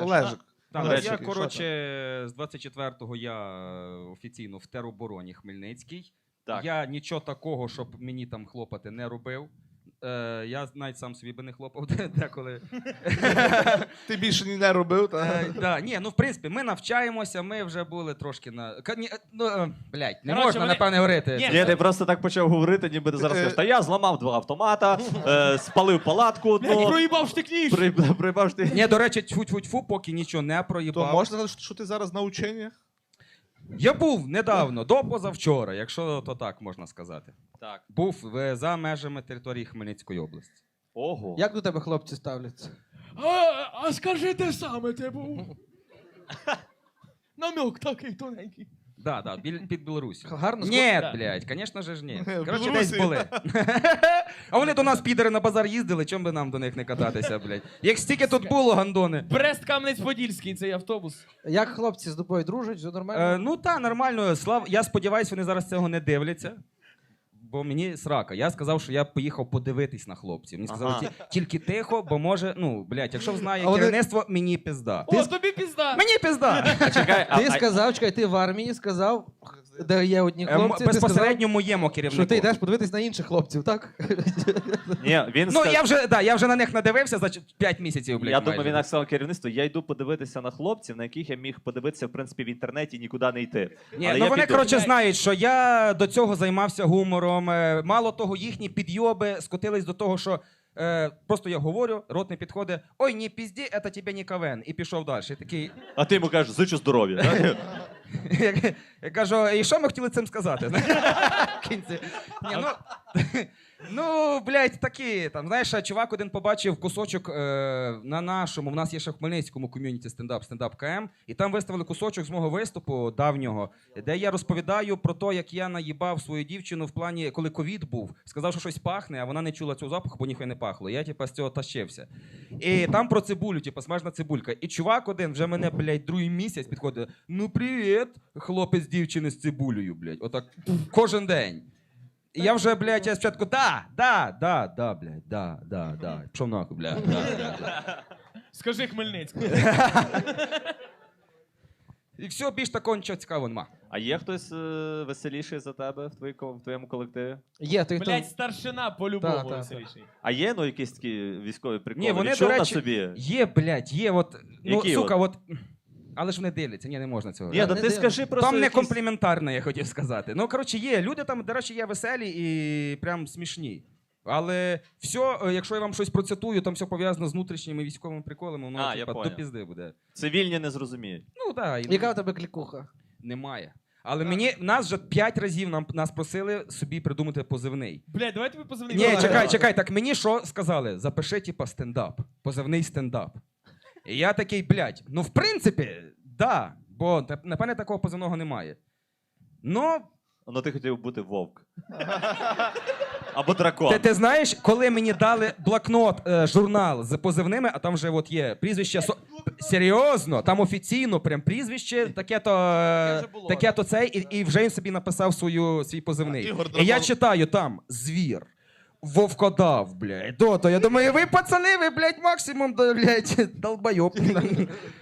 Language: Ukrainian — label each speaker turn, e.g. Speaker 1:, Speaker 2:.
Speaker 1: Олежик.
Speaker 2: Так,
Speaker 1: Олежик,
Speaker 2: я,
Speaker 1: що
Speaker 2: коротше, з 24-го я офіційно в теробороні Хмельницький.
Speaker 3: Так.
Speaker 2: Я нічого такого, щоб мені там хлопати, не робив. Я навіть сам собі би не хлопав деколи.
Speaker 1: Ти більше не робив, так?
Speaker 2: Да, ні, ну в принципі, ми навчаємося, ми вже були трошки на. Блядь, не
Speaker 4: Коротше,
Speaker 2: можна,
Speaker 4: вони-
Speaker 2: напевне, говорити.
Speaker 4: Ні,
Speaker 3: Ні, ти просто так почав говорити, ніби ти зараз кажеш, та я зламав 2 автомата, спалив палатку
Speaker 4: Блядь,
Speaker 3: одну,
Speaker 4: проїбав штикніш!
Speaker 3: прибав ти.
Speaker 2: Ні, до речі, тьфу-тьфу-тьфу, поки нічого не
Speaker 1: То
Speaker 2: проїбав.
Speaker 1: можна сказати, що ти зараз на ученнях?
Speaker 2: Я був недавно, до позавчора, якщо то так можна сказати.
Speaker 3: Так.
Speaker 2: Був за межами території Хмельницької області.
Speaker 3: Ого.
Speaker 5: Як до тебе хлопці ставляться?
Speaker 4: А скажи те саме, ти був. Намек такий тоненький.
Speaker 2: Да, під Білорусі.
Speaker 5: Гарно
Speaker 2: Ні,
Speaker 4: Да.
Speaker 2: блядь, звісно ж ні.
Speaker 1: В
Speaker 2: Коротше,
Speaker 1: Білорусі.
Speaker 2: десь були. А вони до нас, підери, на базар їздили, чому би нам до них не кататися, блядь? Як стільки тут було, гандони.
Speaker 4: Брест-Кам'янець-Подільський, цей автобус.
Speaker 5: Як хлопці з тобою дружать, все нормально?
Speaker 2: Ну так, нормально. Я сподіваюся, вони зараз цього не дивляться. Бо мені срака. Я сказав, що я поїхав подивитись на хлопців. Мені сказали,
Speaker 3: Ага.
Speaker 2: тільки тихо, бо може, ну, блядь, якщо знає
Speaker 5: А вони-
Speaker 2: керівництво, мені пізда.
Speaker 4: О, тобі пізда!
Speaker 2: Мені пізда!
Speaker 3: Чекай,
Speaker 5: Ти сказав, чекай, ти в армії сказав, де є одні хлопці, ти сказав,
Speaker 2: Безпосередньо моєму керівнику.
Speaker 5: що ти йдеш подивитись на інших хлопців, так?
Speaker 3: Ні, він
Speaker 2: Ну,
Speaker 3: сказав...
Speaker 2: я вже на них надивився за 5 місяців, блядь,
Speaker 3: Я думаю,
Speaker 2: майже.
Speaker 3: він так сказав керівництву, я йду подивитися на хлопців, на яких я міг подивитися, в принципі, в інтернеті і нікуди не йти.
Speaker 2: Ні,
Speaker 3: Але
Speaker 2: ну
Speaker 3: я
Speaker 2: вони,
Speaker 3: піду.
Speaker 2: коротше, знають, що я до цього займався гумором. Мало того, їхні підйоби скотились до того, що просто я говорю, рот не підходить, ой, не пізді, це тебе не КВН. І пішов далі. І такий,
Speaker 3: А ти йому кажеш, зичу здоров'я.
Speaker 2: я кажу, і що ми хотіли цим сказати? В кінці. Ні, ну, блядь, такі, там, знаєш, чувак один побачив кусочок на нашому, в нас є ще в Хмельницькому ком'юніті стендап КМ, і там виставили кусочок з мого виступу давнього, де я розповідаю про те, як я наїбав свою дівчину в плані, коли ковід був, сказав, що щось пахне, а вона не чула цього запаху, бо ніхуя не пахло. Я, типа, з цього тащився. І там про цибулю, типа, смажна цибулька. І чувак один вже мене, блядь, другий місяць підходить, ну, привіт, хлопець дівчини з цибулею, блядь, отак, кожен день. І я вже, блядь, я спочатку, да, блядь, да. Пішов нахуй, блядь, да.
Speaker 4: Скажи Хмельницький.
Speaker 2: І все, більш такого нічого цікавого нема.
Speaker 3: А є хтось веселіший за тебе в твоєму колективі?
Speaker 5: Є, той, хто...
Speaker 4: Блять, старшина по-любому
Speaker 5: Та.
Speaker 4: веселіший.
Speaker 3: А є, ну, якісь такі військові приколи?
Speaker 2: Ні, вони,
Speaker 3: Відчув
Speaker 2: до
Speaker 3: на
Speaker 2: речі,
Speaker 3: собі?
Speaker 2: є, блядь, є, от, ну,
Speaker 3: Які
Speaker 2: сука, от, але ж вони дивляться, ні, не можна цього.
Speaker 3: Ні,
Speaker 5: Та
Speaker 3: та
Speaker 5: не
Speaker 3: ти
Speaker 5: дивно.
Speaker 3: скажи просто
Speaker 2: Там не
Speaker 3: якісь-
Speaker 2: компліментарно, я хотів сказати. Ну, коротше, є, люди там, до речі, є веселі і прям смішні. Але все, якщо я вам щось процитую, там все пов'язано з внутрішніми військовими приколами, воно,
Speaker 3: А, я
Speaker 2: типа, до
Speaker 3: поняв.
Speaker 2: пізди буде.
Speaker 3: Цивільні не зрозуміють.
Speaker 2: Ну, так.
Speaker 5: Яка в тебе клікуха?
Speaker 2: Немає. Але нас вже 5 разів нас просили собі придумати позивний.
Speaker 4: Блять, давай тобі позвонимо.
Speaker 2: Ні, чекай, так мені що сказали? Запиши, типа, стендап. Позивний стендап. І я такий, блядь, ну в принципі, да, бо напевне такого позивного немає. Ну,
Speaker 3: Ну ти хотів бути вовк. Або дракон.
Speaker 2: ти знаєш, коли мені дали блокнот, журнал з позивними, а там вже от є прізвище. Серйозно, там офіційно прям прізвище, таке-то цей, і вже він собі написав свій позивний.
Speaker 1: Ігор
Speaker 2: І я
Speaker 1: Драгон.
Speaker 2: читаю там звір. Вовкодав, блядь. Я думаю, ви пацани, ви, блядь, максимум, блядь, долбойоб.